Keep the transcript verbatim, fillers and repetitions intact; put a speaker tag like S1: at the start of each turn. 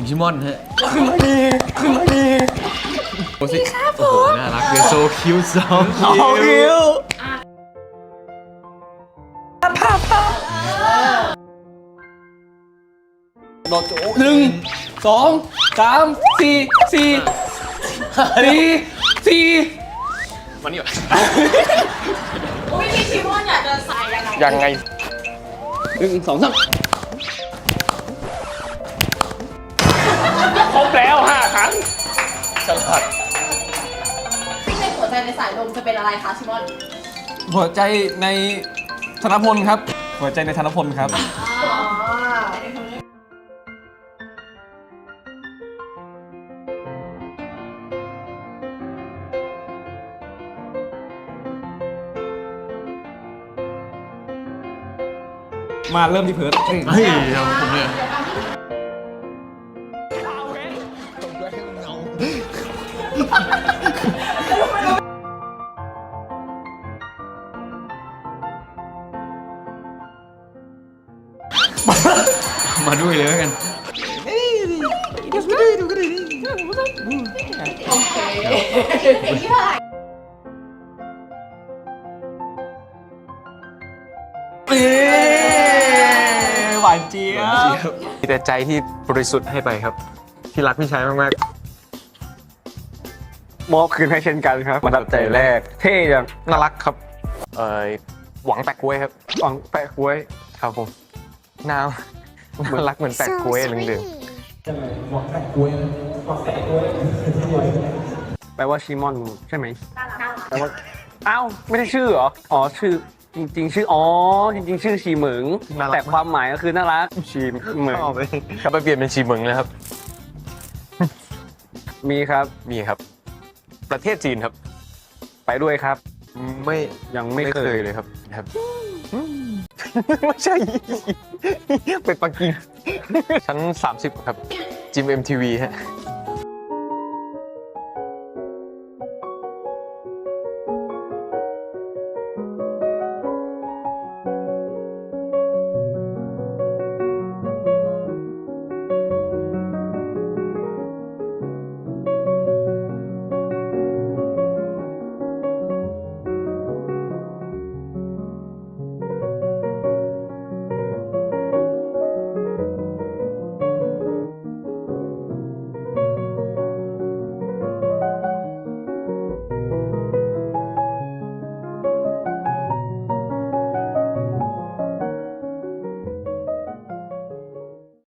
S1: ชิมอนฮะ
S2: ขึ้นมาดีขึ้นมาดี
S1: โอ้สิโอ้โหน่ารักเลยโซคิวสอง
S2: คิวภาพภาพโดดหนึ่งสองสามสี่สี่สี่สี่
S1: มานี่วะ
S3: อุ้ยพี่ชิมอนอยากจะใส่ยังไง
S2: ยังไงหนึ่งสองสามครบแล้วห้าครั้งฉลาด
S3: ในหัวใจในสายลมจะเป็นอะไรคะชิมอน
S2: หัวใจในธนพลครับหัวใจในธนพลครับมาเริ่มที่เพิร์ดเฮ้ย
S1: เฮ้ยเอาผมเนี่ยมาด้วยเลยแล้วกัน
S3: โอเค
S2: หวานเจี๊ยบมีแต่ใจที่บริสุทธิ์ให้ไปครับที่รักพี่ชายมากๆมอบคืนให้เช่นกันครับประทับใจแรกเท่จังน่ารักครับเอ่อหวังแปะกล้วยครับหวังแปะกล้วยครับผมน่าน่ารักเหมือนแปะกล้วยเหลืองๆหวังแปะกล้วยหวังแปะกล้วยแปลว่าชิมอนใช่ไหมแปลว่าอ้าวไม่ได้ชื่อเหรออ๋อชื่อจริงๆชื่ออ๋อจริงๆชื่อชีเหมิงแต่ความหมายก็คือน่ารักชีเหมิงครับไปเปลี่ยนเป็นชีเหมิงนะครับมีครับมีครับประเทศจีนครับไปด้วยครับไม่ยังไม่เคยเลยครับครับไม่ใช่ไปปักกิ่งชั้นสามสิบครับจิม เอ็ม ที วี ฮะ